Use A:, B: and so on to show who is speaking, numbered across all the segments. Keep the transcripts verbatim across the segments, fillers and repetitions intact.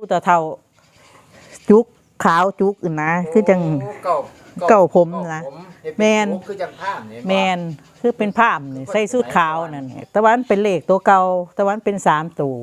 A: ผู้ตาเท่าจุกขาวจุกนะคือจังเก่าผมนะแมน
B: คือจังผ้าเนี่ย
A: แมนคือเป็นผ้าเนี่ยใส่สูทขาวนั่นตะวันเป็นเลขตัวเก่าตะวันเป็นสามตัว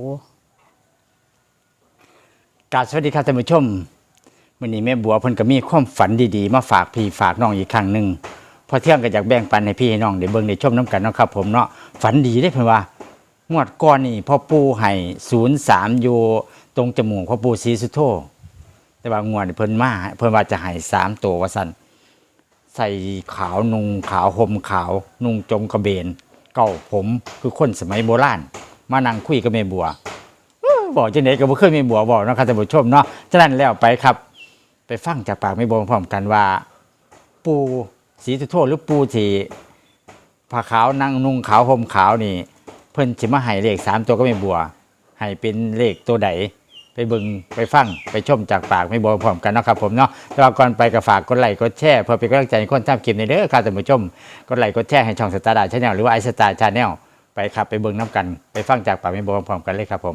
C: กราบสวัสดีครับท่านผู้ชมวันนี้แม่บัวเพิ่นก็มีความฝันดีๆมาฝากพี่ฝากน้องอีกครั้งหนึ่งพอเที่ยงก็อยากแบ่งปันให้พี่ให้น้องได้เบิ่งได้ชมน้ำกันเนาะครับผมเนาะฝันดีได้เพิ่นว่างวดก่อนนี่พ่อปู่ให้ศูนย์สามอยู่ตรงจมูกพ่อปู่ศรีสุโธแต่ว่างวดเพิ่นมาเพิ่นว่าจะให้สามตัวว่าซั่นใส่ขาวนุ่งขาวห่มขาวนุ่งจงกระเบนเก่าผมคือคนสมัยโบราณมานั่งคุยกับแม่บัวบอกจังได๋ก็บ่เคยแม่บัวบอกเนาะครับท่านผู้ชมเนาะฉะนั้นแล้วไปครับไปฟังจากปากแม่บัวพร้อมกันว่าปู่ศรีสุโธหรือปู่ที่ผ้าขาวนั่งนุ่งขาวห่มขาวนี่เพิ่นสิมาให้เลขสามตัวก็แม่บัวให้เป็นเลขตัวใดไปเบิ่งไปฟังไปชมจากปากแม่บัวพร้อมกันเนาะครับผมเนาะแต่ว่าก่อนไปก็ฝากกดไลค์กดแชร์เพื่อเป็นกำลังใจให้คนทำคลิปในเด้อครับท่านผู้ชมกดไลค์กดแชร์ให้ช่องสตาร์ดาชาแนลหรือว่าไอสตาร์ชาแนลไปครับไปเบิ่งน้ำกันไปฟังจากปากแม่บัวพร้อมกันเลยครับผม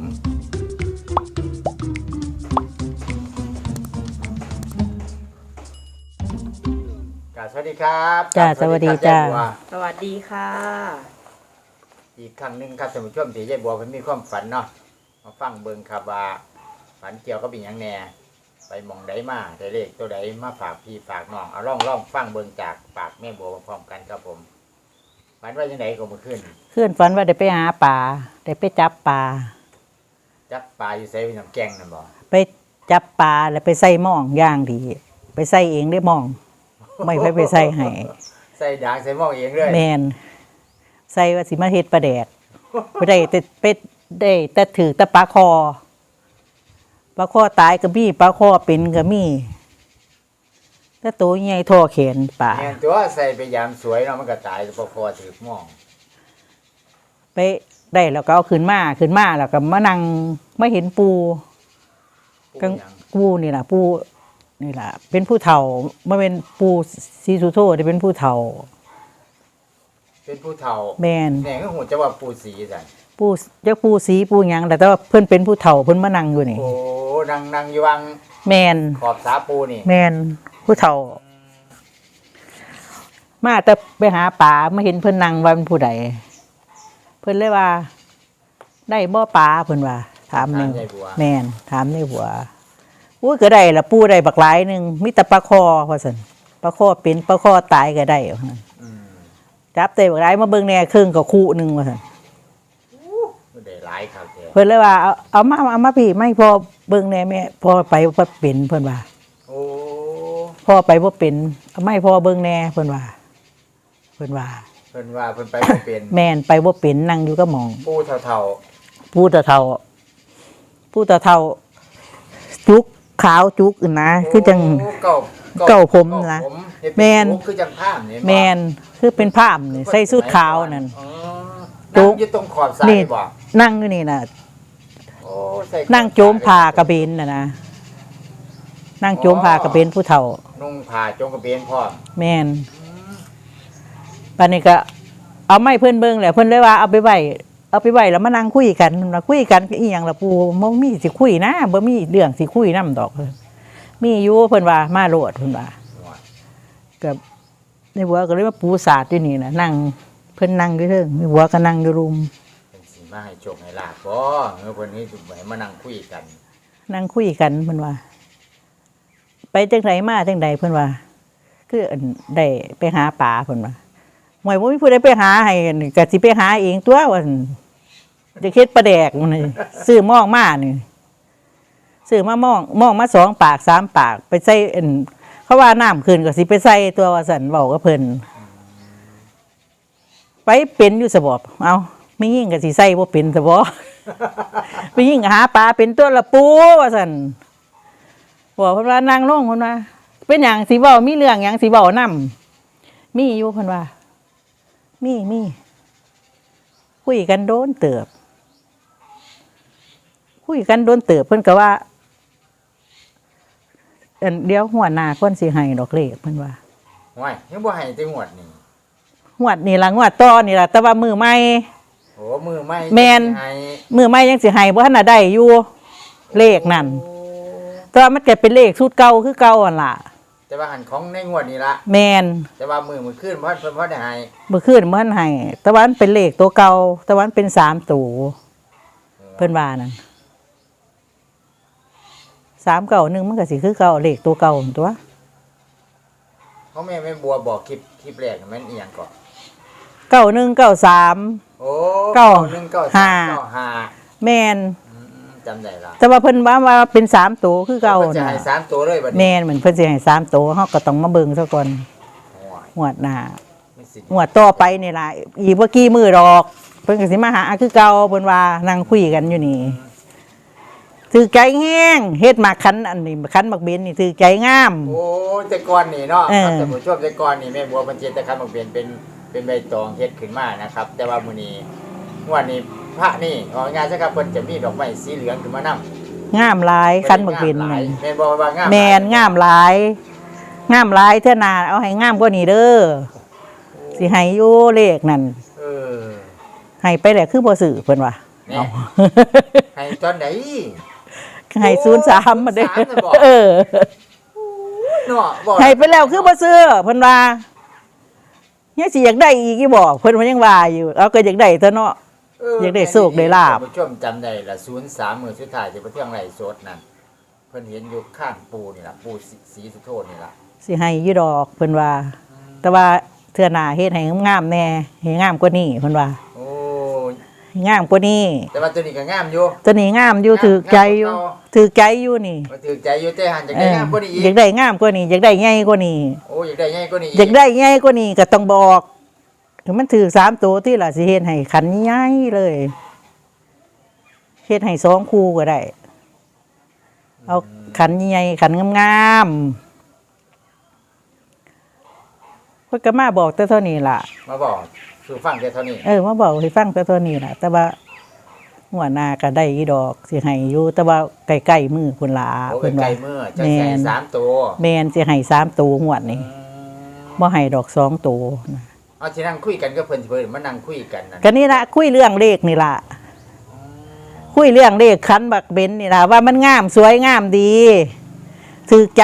C: สวัสดีครับ
A: จ้าสวัสดีจ้า
D: สวัสดีค่ะ
C: อีกครั้งหนึ่งครับท่านผู้ชมที่ยายบัวเพิ่นมีความฝันเนาะมาฟังเบิ่งครับว่าฝันเกี่ยวกับอีหยังแหน่ไปหม่องใดมาได้เลขตัวใดมาฝากพี่ฝากน้องเอาลองลองฟังเบิ่งจากปากแม่บัวพร้อมกันครับผมฝันว่าจังไดก็เมื่อคืน
A: คืนฝันว่าได้ไปหาปลาได้ไปจับปลา
C: จับปลาอยู่ไสเป็นน้ำแกงนั่นบ่
A: ไปจับปลาแล้วไปใส่หม้องย่างดีไปใส่เองได้หม้องไม่ไปไปใส่ให้
C: ใส่ด่างใส่หม้อเองเลย
A: แมนใส่ว่าสิมาเฮ็ดปลาแดดไปได้แต่เป็ดได้แต่ถือแต่ปลาคอปลาคอตายก็มีปลาคอเป็นก็มีถ้าตัวใหญ่ท่อแขนปลา
C: แม่นตัวใส่ไปยามสวยเนาะมันก็ตายปลาคอถือหม้อ
A: ไปได้แล้วก็เอาขึ้นมาขึ้นมาแล้วก็มานั่งไม่เห็นปูกังปูนี่ล่ะปูนี่ล่ะเป็นผู้เฒ่าเมื่อเป็นปูศรีสุโธได้เป็นผู้เฒ่า
C: เป็นผู้เฒ่า
A: แม่น
C: แม่ก็ฮู้จักว่าปูศรีซั่น
A: ปูจักปูศรีปูหยังแต่ว่าเพิ่นเป็นผู้เฒ่าเพิ่นมานั่งอยู่นี่
C: โอ้นั่งนั่งอยู่วัง
A: แม่น
C: ขอบสาปูนี่
A: แม่นผู้เฒ่ามาแต่ไปหาปลามาเห็นเพิ่นนั่งว่าเป็นผู้ใดเพิ่นเลยว่าได้บ่ปลาเพิ่นว่าถามนึงแม่นถามในหัวอุ้ยก็ได้ละปูได้บักหลายนึงมีแต่ปลาคอว่าซั่นปลาคอเป็นปลาคอตายก็ได้อืมจับได้บักหลายมาเบิ่งแหน่ครึ่งก็คู่นึงว่าซั่น
C: บ่ได้หลายครับแท้
A: เพิ่นเลยว่าเอาเอามาเอามาพี่ไม่พอเบิ่งแหน่แม่พอไปบ่เป็นเพิ่นว่า
C: โอ้
A: พอไปบ่เป็นเอาไม่พอเบิ่งแหน่เพิ่นว่าเพิ่นว่า
C: เพิ่นว่าเพิ่นไปบ่เป็น
A: แม่นไปบ่เป็นนั่งอยู่ก็มอง
C: ปูเฒ่า
A: ๆปูเฒ่าๆปูเฒ่าๆจุกขาวจุกนะคือจัง
C: เก่า
A: เก่าผมนะแม่น
C: คือจังผ้านี่
A: แม่นคือเป็นผ้านี่ใส่สูทขาวนั่น
C: อ๋อนั่งอยู่ตรงขอบสายบ่
A: นั่งอยู่นี่น่ะ
C: โอ้ใส่
A: นั่งโจมผ้ากระเบนน่ะนะนั่งโจมผ้ากระเบนผู้เฒ่า
C: นุ่งผ้าโจมกระเบนพร้อม
A: แม่นปานนี้ก็เอาไม้เพิ่นเบิ่งแหละเพิ่นเลยว่าเอาไปไว้เอาไปไว้แล้วมานั่งคุยกันมาคุยกันอีหยังล่ะปู่บ่มีสิคุยนะบ่มีเรื่องสิคุยนำดอกมีอยู่เพิ่นว่ามาโลดเพิ่นว่าก็ในหัวก็เลยมาปูศาสตร์อยู่นี่น่ะนั่งเพิ่นนั่งอยู่เทิงในหัวก็นั่งอยู่รุม
C: เพิ่นสิมาให้โชคให้ลาภบ่เออเพิ่นนี่สิมานั่งคุยกัน
A: นั่งคุยกันเพิ่นว่าไปจังไดมาจังไดเพิ่นว่าคือได้ไปหาปลาเพิ่นว่าหมายบ่มีผู้ใดไปหาให้ก็สิไปหาเองตัวว่าจะเฮ็ดปลาแดกมันซื้อหม้องมานี่ซื้อมาหม้องหม้องมาสองปากสามปากไปใส่เขาว่าน้ำขึ้นก็สิไปใส่ตัวว่าซั่นเว้ากับเพิ่นไปเป็นอยู่ซะบ่เอาไม่ยิ่งก็สิใส่บ่เป็นซะบ่ไปยิ่งหาปลาเป็นตัวละปูว่าซั่นบอกเพิ่นว่านั่งลงเพิ่นว่าเป็นหยังสิเว้ามีเรื่องหยังสิเว้านำมีอยู่เพิ่นว่ามีมีคุยกันโดนเติบคุยกันโดนเติบเพิ่นก็ว่าอันเดี๋ยวหัวหน้าคนสิให้ดอกเลขเพิ่นว่า
C: โอ้ยยังบ่ให้แต่งวดนี่
A: งวดนี่ล่ะงวดต่อนี่ล่ะแต่ว่ามือใหม่
C: โอ้มือใหม่
A: แม่นมือใหม่ยังสิให้บ่ทันน่ะได้อยู่เลขนั่น
C: โอ้
A: แต่ว่ามันก็เป็นเลขสูตรเก่าคือเก่าหั่นล่ะ
C: แต่ว่าหันของในงวดนี้ละ
A: แม่น
C: แต่ว่ามือมือขึ้นเพราะเพิ่นเพราะได้ให้
A: เมื่อคืนมันให้แต่ว่ามันเป็นเลขตัวเก่าแต่ว่ามันเป็นสามตัวเพิ่นว่านั่นสามเก่าหนึ่งมันก็สิคือเก่าเลขตัวเก่าหั่นตัว
C: เขาแม่แม่บัวบอกคลิปคลิปแรกมันอีหยังก่อน
A: เก้าหนึ่งเก้าสาม
C: โอ้
A: เก้า
C: หนึ่งเก้า
A: ห้า
C: สามเก้าห้า
A: แม่น
C: อืมจำได้ละ
A: แต่ว่าเพิ่นว่าว่าเป็นสามตัวคือเก่า
C: เพิ่นจะ
A: น่ะ
C: ให้สามตัวเลยบัดนี้
A: แม่นเหมือนเพิ่นสิให้สามตัวเฮาก็ต้องมาเบิ่งซะก่อน
C: โอ้ย
A: งวดหน้า
C: ไม่สิ
A: งวดต่อไปนี่ล่ะอีกบ่กี่มื้อดอก เพิ่นก็สิมาหาคือเก่าเพิ่นว่านั่งคุยกันอยู่นี่ถือใจแห้งเฮ็ดมาคันอันนี้คันบักเบนนี่ถือใจงาม
C: โอ้ยแต่ก่อนนี่เนาะ
A: เออ
C: ครับท่านผู้ชมแต่ก่อนนี่แม่บัวเพิ่นเจตคันมาเปลี่ยนเป็นเป็นใบตองเฮ็ดขึ้นมานะครับ แต่ว่ามื้อนี้งวดนี้พระนี่เอาง่ายๆซะครับเพิ่นจะมีดอกไม้สีเหลืองขึ้นมานำ
A: งามหลายคันบักเบน
C: หลา
A: นั่
C: ย
A: น
C: แม่นบ่ว่างาม
A: แม่นงามหลายงามหลายเท่านาเอาให้งามกว่านี้เด้อสิให้อยู่เลขนั่น
C: เออ
A: ให้ไปแหละคือบ่ซื้อเพิ่นว่า
C: แนี่ให้ตอนไหน
A: ให้ศูนย์สามมาเด้อ
C: ศูนย์สามน่ะบอก
A: เออ
C: เนาะบ่
A: ให้ไปแล้วคือบ่ซื้อเพิ่นว่ายังสิอยากได้อีกอีบอกเพิ่นว่ายังว่าอยู่เอาก็อยากได้เถอะเนาะ อยากได้โชคได้ลาภ
C: ท่านผู้ชมจำได้ละศูนย์สามมื้อสุดท้ายที่ไปเที่ยงไร่สดนั่นเพิ่นเห็นอยู่ข้างปูนี่ล่ะปูสีสุโธนี่ล่ะ
A: สิให้อยู่ดอกเพิ่นว่า แต่ว่าเทื่อหน้าเฮ็ดให้งามๆแน่ให้งามกว่านี้เพิ่นว่า
C: โอ้ย
A: ให้งามกว่านี้
C: แต่ว่าตัวนี้ก็งามอยู่
A: ตัวนี้งามอยู่ถือใจอยู่ถือใจอยู่นี่
C: มาถือใจอยู่แต่หันจาก
A: เอ
C: ได้
A: อง
C: ามกว่านี้อี
A: อยาก กได้งามกว่านี้อยากได้ใหญ่กว่านี้
C: โอ้ยอยากได้ใหญ่กว่านี้
A: อยากได้ใหญ่กว่านี้ก็ต้องบอกถึงมันถือสามตัวที่ล่ะสิเฮ็ดให้ขันใหญ่เลยเฮ็ดให้สองคู่ก็ได้ เอาขันใหญ่ขันงามๆเพิ่นก็มาบอกแต่เท่านี้ล่ะ
C: มาบอกสู่ฟังแต่เท่านี้
A: เออมาบอกให้ฟังแต่เท่านี้ล่ะ แต่ว่าหัวหน้าก็ได้อีดอกสิให้อยู่แต่ว่าใกล้ๆมือพุ่นล่ะ
C: โอ้
A: เพิ่น
C: ไกล
A: ว่า
C: ๆมือจะ
A: แม่
C: ใส่
A: น
C: สามตัว
A: แม่นสิให้สามตัวงวดนี้
C: อืม
A: บ่ให้ดอกสองตัวนะ
C: เอาที่นั่งคุยกันก็เพิ่นสิเพิ่นมานั่งคุยกันนั่น
A: ก็นี่ละคุยเรื่องเลขนี่ล่ะคุยเรื่องเลขคันบักเบนนี่ล่ะว่ามันงามสวยงามดีถือใจ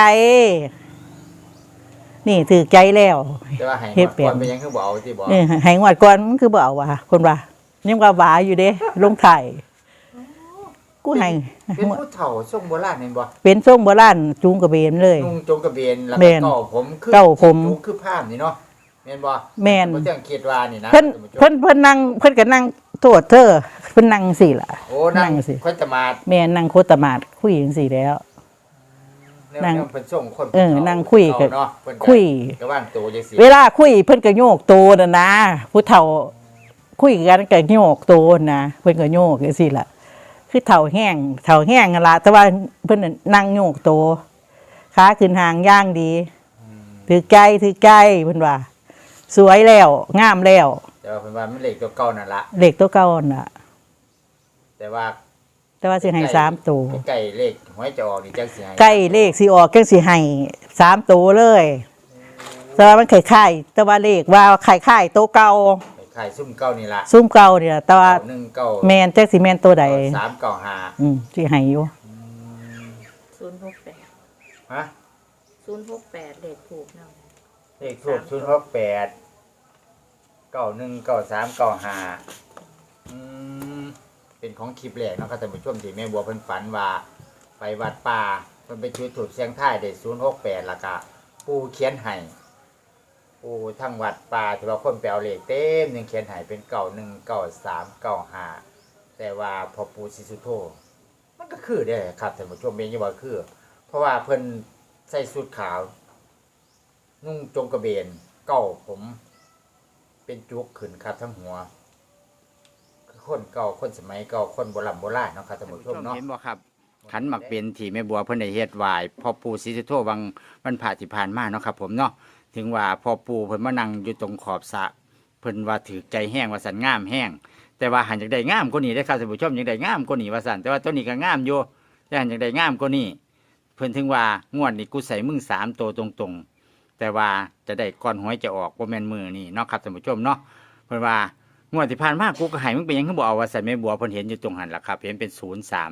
A: นี่ถือใจแล้ว
C: แต่ว่าให้
A: เฮ็ด
C: ก่
A: เปลี่ย
C: อน นเป็นหยังคือบ่เอาที่บอก
A: เออให้งวดก่อนมันคือบ่เอาว่ะคนว่ายังว่าหวาอยู่เด้ลงไทยกูให้
C: เป็นผู้เฒ่าทรงโบราณเห็นบ่
A: เป็นทรงโบราณจูงกระเบนเลย
C: นุ่งจงกระเบนแล้ว
A: แม่
C: ก็
A: น
C: เก่าผมคือ
A: เก้าผม
C: จูงคือภาพนี่เนาะแม่นบ่
A: แม่น
C: บ่เที่ยงคิดว่านี่นะ
A: เพิ่น
C: ท่าผู้ชม
A: เพิ่นเพิ่นนั่งเพิ่นก็นั่งโทษเธอเพิ่นนั่งสิล่ะ
C: โอ้นั่ง
A: นั่งสิ
C: ค่อยจะมา
A: แม่นั่งโคตรมาดคุยจังซี่แล้ว
C: แนว
A: นั่ง
C: แนวเพิ่นส่งคน
A: เออนั่งคุยกับ
C: เนาะเพิ่นก็
A: คุย
C: ก็ว่างตัวจังซี่
A: เวลาคุยเพิ่นก็โยกตัวน่ะนะผู้เฒ่าคุยกันก็โยกตัวนะเพิ่นก็โยกจังซี่ล่ะ คือเฒ่าแห้งเฒ่าแห้งนั่นล่ะแต่ว่าเพิ่นน่ะนั่งโยกตัวขาขึ้นหางย่างดีถือใจถือใจเพิ่นว่า สวยแล้วงามแล้ว
C: แต่ว่าเพิ่นว่ามันเลขตัวเก่านั่นละ
A: เลขตัวเก่าน่ะ
C: แต่ว่า
A: แต่ว่าสิให้สามตัว
C: ใกล้เลขหวยจะออกนี่จังสิให้
A: ใกล้เลขสิออกจังสิให้สามตัวเลย แต่ว่ามันคล้ายๆแต่ว่าเลขว่าคล้ายๆตัวเก่า
C: ขายซุ่มเก่านี่ล่ะ
A: ซุ้มเก่าเนี่ยแต่ว่า
C: หนึ่งเก้า
A: แมนแจ็คสีแมนตัวใด
C: สามเก้าห้า
A: อืมสิให้อยู่
B: ศูนย์หกแปด
C: ฮะ
B: ศูนย์หกแปดเลขถูกเนาะ
C: เลขทูบศูนย์หกแปดเก้าหนึ่งเก้าสามเก้าห้าอืมเป็นของคลิปแรกเนาะครับท่านผู้ชมที่แม่บัวเพิ่นฝันว่า ไปวัดป่าเพิ่นไปจุดถูกเสียงท้ายได้ศูนย์หกแปดแล้วก็ปู่เขียนให้ปู่ทั้งวัดป่าที่ว่าคนไปเอาเลขเต็มหนึ่งเขียนให้เป็นเก้าหนึ่งเก้าสามเก้าห้าแต่ว่าพอปู่ศรีสุโธมันก็คือได้ครับท่านผู้ชมเองยังว่าคือ เพราะว่าเพิ่นใส่สูทขาว นุ่งจงกระเบนเก้าผม เป็นจุกขึ้นครับทั้งหัวคือคนเก่าคนสมัยเก่าคนโบราณโบราณเนาะครับท่านผู้ชมเนาะเห็นบ่ครับขันหมักเป็นที่แม่บัวเพิ่นได้เฮ็ดไหว้พ่อปู่ศรีสุโธวังวันผ่าที่ผ่านมาเนาะครับผมเนาะถึงว่าพ่อปู่เพิ่นมานั่งอยู่ตรงขอบสระเพิ่นว่าถือใจแห้งว่าสันงามแห้งแต่ว่าหันอยากได้งามกว่านี้ได้อครับท่านผู้ชมอยากได้งามกว่านี้ว่าสันแต่ว่าตัวนี้ก็งามอยู่แต่หันอยากได้งามกว่านี้เพิ่นถึงว่างวดนี้กูใส่มึงสามตัวตรงๆ แต่ว่าจะได้ก้อนหวยจะออกบ่แม่นมือนี่เนาะครับท่านผู้ชมเนาะเพิ่นว่างวดที่ผ่านมากูก็ให้มึงเป็นหยังคือบ่เอาว่าใส่แม่บัวเพิ่นเห็นอยู่ตรงหันล่ะครับเห็นเป็นศูนย์สาม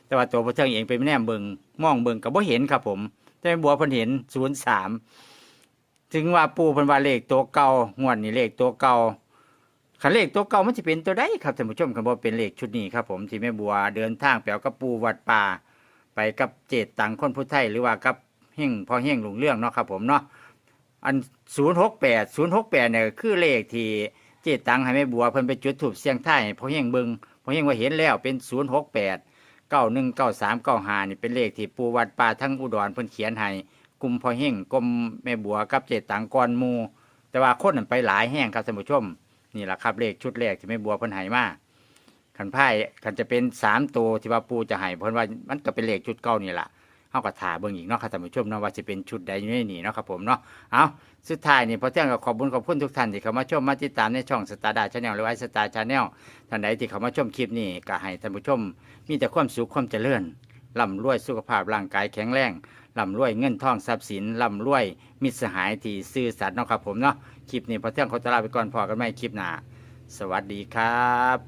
C: แต่ว่าตัวพอเที่ยงเองไปแนมเบิงมองเบิงก็บ่เห็นครับผมแต่แม่บัวเพิ่นเห็นศูนย์สามถึงว่าปู่เพิ่นว่าเลขตัวเก่างวดนี้เลขตัวเก่าคันเลขตัวเก่ามันสิเป็นตัวใดครับท่านผู้ชมคันบ่เป็นเลขชุดนี้ครับผมที่แม่บัวเดินทางไปเอากับปู่วัดป่าไปกับเจตตังคนผู้ไทยหรือว่ากับเฮงพ่อเฮงหลวงเรื่องเนาะครับผมเนาะอันศูนย์หกแปด ศูนย์หกแปดเนี่ยคือเลขที่เจตตังให้แม่บัวเพิ่นไปจุดธูปเสียงทายให้พ่อเฮงเบิ่งพ่อเฮงว่าเห็นแล้วเป็นศูนย์หกแปด เก้าหนึ่งเก้าสามเก้าห้านี่เป็นเลขที่ปู่วัดป่าทั้งอุดรเพิ่นเขียนให้กลุ่มพ่อเฮงกลุ่มแม่บัวกับเจตังกอนหมู่แต่ว่าคนนั้นไปหลายแห่งครับท่านผู้ชมนี่แหละครับเลขชุดแรกที่แม่บัวเพิ่นให้มาขันไพ่ขันจะเป็นสามตัวที่ว่าปู่จะให้เพิ่นว่ามันก็เป็นเลขชุดเก่านี่แหละเฮาก็ถ่าเบิ่งอีกเนาะครับท่านผู้ชมเนาะว่าสิเป็นชุดใดอยู่ในนี้เนาะครับผมเนาะเอาสุดท้ายนี่พอเที่ยงก็ขอบคุณขอบคุณทุกท่านที่เข้ามาชมมาติดตามในช่องสตาร์ดาชาแนลหรือว่าสตาร์ชาแนลท่านใดที่เข้ามาชมคลิปนี้ก็ให้ท่านผู้ชมมีแต่ความสุขความเจริญร่ำรวยสุขภาพร่างกายแข็งแรงร่ำรวยเงินทองทรัพย์สินร่ำรวยมิตรสหายที่ซื่อสัตย์เนาะครับผมเนาะคลิปนี้พอเที่ยงขอตลาไปก่อนพอกันใหม่คลิปหน้าสวัสดีครับ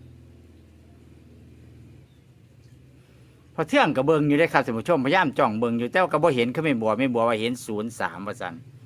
C: พอเที่ยงกับเบิงอยู่ได้ครับท่านผู้ชมพยายามจ้องเบิงอยู่แต่ว่าก็บ่เห็นเขาไม่บัวไม่บัวว่าเห็นศูนย์สามว่าซั่น